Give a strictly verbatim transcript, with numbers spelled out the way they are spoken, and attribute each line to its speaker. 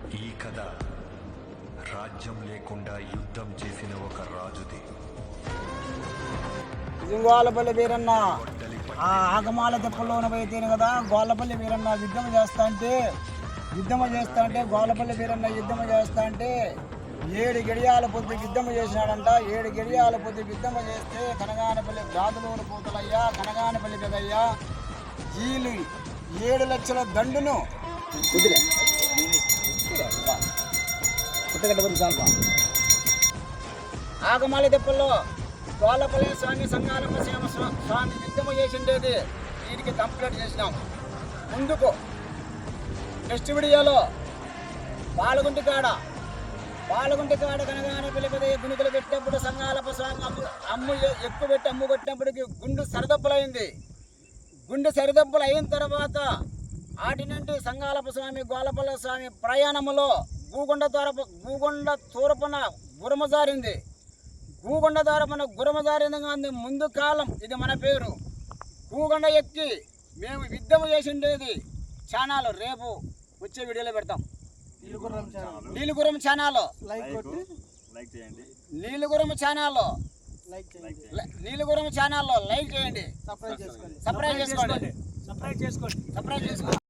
Speaker 1: ఈ కథ రాజ్యం లేకుండా యుద్ధం చేసిన ఒక రాజుది.
Speaker 2: గోళ్ళపల్లి వీరన్న ఆ ఆగమాల తెప్పల్లోన పోయితేనే కదా గోళ్ళపల్లి వీరన్న యుద్ధం చేస్తా అంటే యుద్ధం చేస్తా అంటే గోళ్ళపల్లి వీరన్న యుద్ధం చేస్తా అంటే ఏడు గడియాల పొద్దు యుద్ధం చేసినాడంట. ఏడు గడియాల పొద్దు యుద్ధం చేస్తే కనగానపల్లి గాదులూరు పూతలయ్యా, కనగానపల్లి పెదయ్యా వీళ్ళు ఏడు లక్షల దండును కుదిరే ఆగమాల తెప్పల్లో గోళ్ళపల్లి స్వామి సంగాలమ్మ శ్యామ స్వామి యుద్ధము చేసిండేది వీరికి కంప్లీట్ చేసినాం. ముందుకు నెక్స్ట్ వీడియోలో పాలగుంటి కాడ పాలగుంటి కాడ కనగానే పిలిపదే గుణికలు పెట్టినప్పుడు సంగాలప్ప స్వామి అమ్ము అమ్ము ఎక్కువ పెట్టి అమ్ము కొట్టినప్పటికి గుండు సరిదప్పులైంది. గుండె సరిదప్పులు అయిన తర్వాత ఆటి నుండి సంగాలప్ప స్వామి గోళ్ళపల్లి స్వామి ప్రయాణములో గూగొండ తోరపు గూగొండ తూరపున గురమజారింది. గూగొండ తోరపున గురమజారింది ముందు కాలం ఇది మన పేరు. గూగొండ ఎక్కి మేము యుద్ధం చేసిండేది ఛానల్ రేపు వచ్చే వీడియోలో పెడతాం. నీలుగురం ఛానల్ నీలుగురం ఛానల్ నీలుగురం ఛానల్లో లైక్ చేయండి, సబ్స్క్రైబ్ చేసుకోండి సబ్స్క్రైబ్ చేసుకోండి సబ్స్క్రైబ్ చేసుకోండి.